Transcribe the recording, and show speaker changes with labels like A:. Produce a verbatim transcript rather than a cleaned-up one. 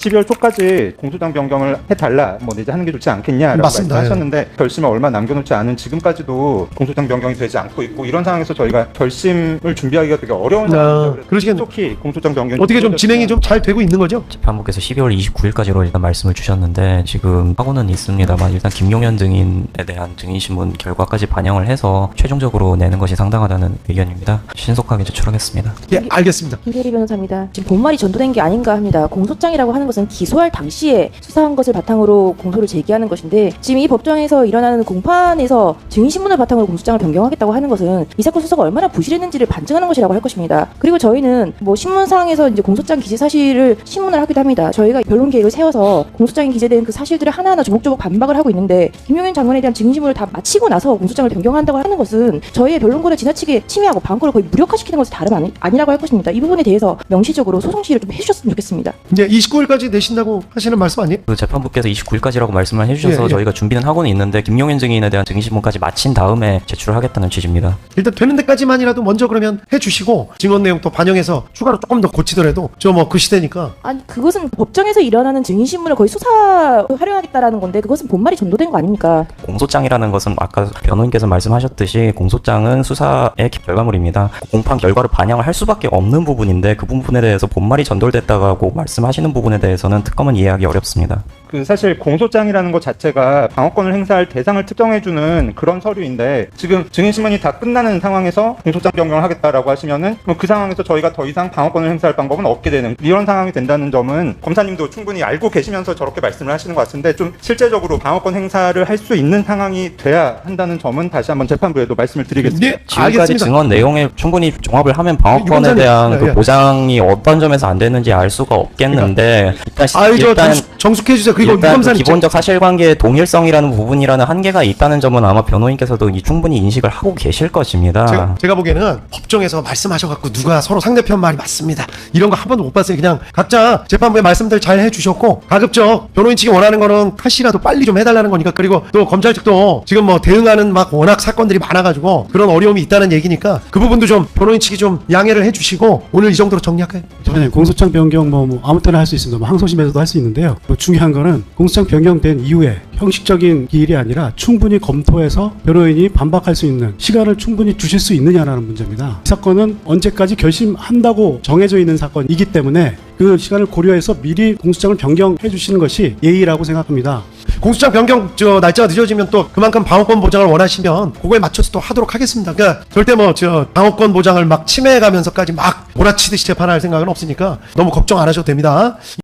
A: 십이월 초까지 공소장 변경을 해달라, 뭐 이제 하는 게 좋지 않겠냐라고
B: 맞습니다.
A: 말씀하셨는데 결심을 얼마 남겨놓지 않은 지금까지도 공소장 변경이 되지 않고 있고, 이런 상황에서 저희가 결심을 준비하기가 되게 어려운 상황이죠.
B: 그러시겠네.
A: 특히 공소장 변경이
B: 어떻게 좀 진행이 좀 잘 되고 있는 거죠?
C: 재판부께서 십이월 이십구일까지로 일단 말씀을 주셨는데 지금 하고는 있습니다만 일단 김용현 증인에 대한 증인신문 결과까지 반영을 해서 최종적으로 내는 것이 상당하다는 의견입니다. 신속하게 제출하겠습니다.
B: 예, 알겠습니다.
D: 김대리 변호사입니다. 지금 본말이 전도된 게 아닌가 합니다. 공소장이라고 하는 것은 기소할 당시에 수사한 것을 바탕으로 공소를 제기하는 것인데, 지금 이 법정에서 일어나는 공판에서 증인신문을 바탕으로 공소장을 변경하겠다고 하는 것은 이 사건 수사가 얼마나 부실했는지를 반증하는 것이라고 할 것입니다. 그리고 저희는 뭐 신문상에서 이제 공소장 기재 사실을 신문을 하기도 합니다. 저희가 변론 계획을 세워서 공소장에 기재된 그 사실들을 하나하나 조목조목 반박을 하고 있는데, 김용현 장관에 대한 증인신문을 다 마치고 나서 공소장을 변경한다고 하는 것은 저희의 변론권을 지나치게 침해하고 방어권을 거의 무력화시키는 것이 다름 아니, 아니라고 할 것입니다. 이 부분에 대해서 명시적으로 소송 시를 좀 해주셨으면 좋겠습니다.
B: 이제 이십구일까지 내신다고 하시는 말씀 아니에요?
C: 그 재판부께서 이십구일까지라고 말씀을 해주셔서
B: 예, 예.
C: 저희가 준비는 하고는 있는데 김용현 증인에 대한 증인신문까지 마친 다음에 제출을 하겠다는 취지입니다.
B: 일단 되는 데까지만이라도 먼저 그러면 해주시고 증언 내용 또 반영해서 추가로 조금 더 고치더라도 저 뭐 그 시대니까.
D: 아니, 그것은 법정에서 일어나는 증인신문을 거의 수사 활용하겠다라는 건데, 그것은 본말이 전도된 거 아닙니까?
C: 공소장이라는 것은 아까 변호인께서 말씀하셨듯이 공소장은 수사의 결과물입니다. 공판 결과를 반영을 할 수밖에 없는 부분인데 그 부분에 대해서 본말이 전돌됐다고 말씀하시는 부분에 대해서는 특검은 이해하기 어렵습니다.
A: 그 사실 공소장이라는 것 자체가 방어권을 행사할 대상을 특정해주는 그런 서류인데, 지금 증인신문이 다 끝나는 상황에서 공소장 변경을 하겠다라고 하시면은 뭐 그 상황에서 저희가 더 이상 방어권을 행사할 방법은 없게 되는 이런 상황이 된다는 점은 검사님도 충분히 알고 계시면서 저렇게 말씀을 하시는 것 같은데, 좀 실제적으로 방어권 행사를 할 수 있는 상황이 돼야 한다는 점은 다시 한번 재판부에도 말씀을 드리겠습니다.
B: 네,
C: 지금까지
B: 알겠습니다.
C: 증언 내용에 충분히 종합을 하면 방어권에
B: 유권자님,
C: 대한
B: 예,
C: 그
B: 예.
C: 보장이 어떤 점에서 안 되는지 알 수가 없겠는데 일단, 시-
B: 아유 저
C: 일단
B: 정숙, 정숙해 주세요. 그리고
C: 일단 그
B: 유검사님
C: 기본적 사실관계의 동일성이라는 부분이라는 한계가 있다는 점은 아마 변호인께서도 이 충분히 인식을 하고 계실 것입니다.
B: 제가, 제가 보기에는 법정에서 말씀하셔갖고 누가 서로 상대편 말이 맞습니다 이런 거 한 번도 못 봤어요. 그냥 각자 재판부의 말씀들 잘 해주셨고, 가급적 변호인 측이 원하는 거는 카시라도 빨리 좀 해달라는 거니까. 그리고 또 검찰 측도 지금 뭐 대응하는 막 워낙 사건들이 많아가지고 그런 어려움이 있다는 얘기니까 그 부분도 좀 변호인 측이 좀 양해를 해주시고 오늘 이 정도로 정리할까요?
E: 네, 공소장 변경 뭐, 뭐 아무 때나 할 수 있습니다. 뭐 항소심에서도 할 수 있는데요. 뭐 중요한 거는 공소장 변경된 이후에 형식적인 기일이 아니라 충분히 검토해서 변호인이 반박할 수 있는 시간을 충분히 주실 수 있느냐라는 문제입니다. 이 사건은 언제까지 결심한다고 정해져 있는 사건이기 때문에 그 시간을 고려해서 미리 공소장을 변경해 주시는 것이 예의라고 생각합니다.
B: 공소장 변경 저 날짜가 늦어지면 또 그만큼 방어권 보장을 원하시면 그거에 맞춰서 또 하도록 하겠습니다. 그러니까 절대 뭐 저 방어권 보장을 막 침해해가면서까지 막 몰아치듯이 재판할 생각은 없으니까 너무 걱정 안 하셔도 됩니다.